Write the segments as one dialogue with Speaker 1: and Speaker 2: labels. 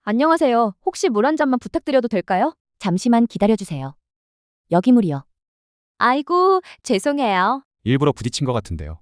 Speaker 1: 안녕하세요. 혹시 물 한 잔만 부탁드려도 될까요?
Speaker 2: 잠시만 기다려주세요. 여기 물이요.
Speaker 1: 아이고, 죄송해요.
Speaker 3: 일부러 부딪힌 것 같은데요.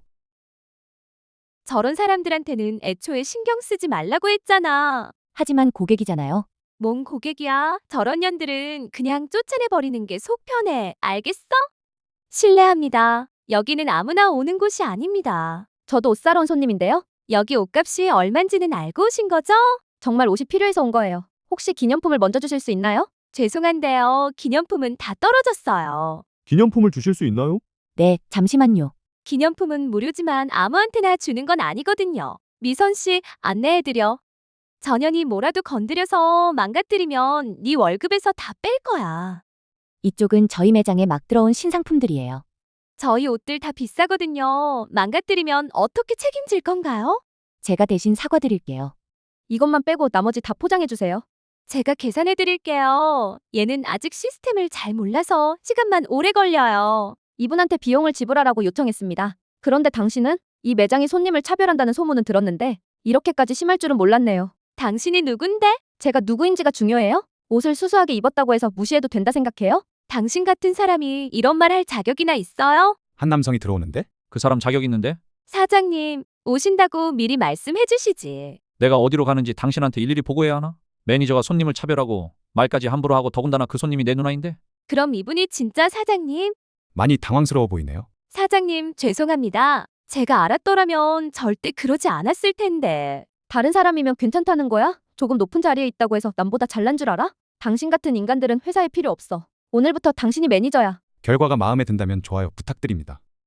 Speaker 1: 저런 사람들한테는 애초에 신경 쓰지 말라고 했잖아.
Speaker 2: 하지만 고객이잖아요.
Speaker 1: 뭔 고객이야? 저런 년들은 그냥 쫓아내버리는 게 속 편해. 알겠어? 실례합니다. 여기는 아무나 오는 곳이 아닙니다. 저도 옷 사러 온 손님인데요. 여기 옷값이 얼만지는 알고 오신 거죠? 정말 옷이 필요해서 온 거예요. 혹시 기념품을 먼저 주실 수 있나요? 죄송한데요. 기념품은 다 떨어졌어요.
Speaker 4: 기념품을 주실 수 있나요?
Speaker 2: 네, 잠시만요.
Speaker 1: 기념품은 무료지만 아무한테나 주는 건 아니거든요. 미선 씨, 안내해드려. 전현이 뭐라도 건드려서 망가뜨리면 네 월급에서 다 뺄 거야.
Speaker 2: 이쪽은 저희 매장에 막 들어온 신상품들이에요.
Speaker 1: 저희 옷들 다 비싸거든요. 망가뜨리면 어떻게 책임질 건가요?
Speaker 2: 제가 대신 사과드릴게요.
Speaker 1: 이것만 빼고 나머지 다 포장해주세요. 제가 계산해드릴게요. 얘는 아직 시스템을 잘 몰라서 시간만 오래 걸려요. 이분한테 비용을 지불하라고 요청했습니다. 그런데 당신은 이 매장이 손님을 차별한다는 소문은 들었는데 이렇게까지 심할 줄은 몰랐네요. 당신이 누군데? 제가 누구인지가 중요해요? 옷을 수수하게 입었다고 해서 무시해도 된다 생각해요? 당신 같은 사람이 이런 말 할 자격이나 있어요?
Speaker 3: 한 남성이 들어오는데
Speaker 5: 그 사람 자격 있는데?
Speaker 1: 사장님, 오신다고 미리 말씀해 주시지.
Speaker 5: 내가 어디로 가는지 당신한테 일일이 보고해야 하나? 매니저가 손님을 차별하고 말까지 함부로 하고 더군다나 그 손님이 내 누나인데?
Speaker 1: 그럼 이분이 진짜 사장님?
Speaker 3: 많이 당황스러워 보이네요.
Speaker 1: 사장님, 죄송합니다. 제가 알았더라면 절대 그러지 않았을 텐데. 다른 사람이면 괜찮다는 거야? 조금 높은 자리에 있다고 해서 남보다 잘난 줄 알아? 당신 같은 인간들은 회사에 필요 없어. 오늘부터 당신이 매니저야.
Speaker 3: 결과가 마음에 든다면 좋아요 부탁드립니다.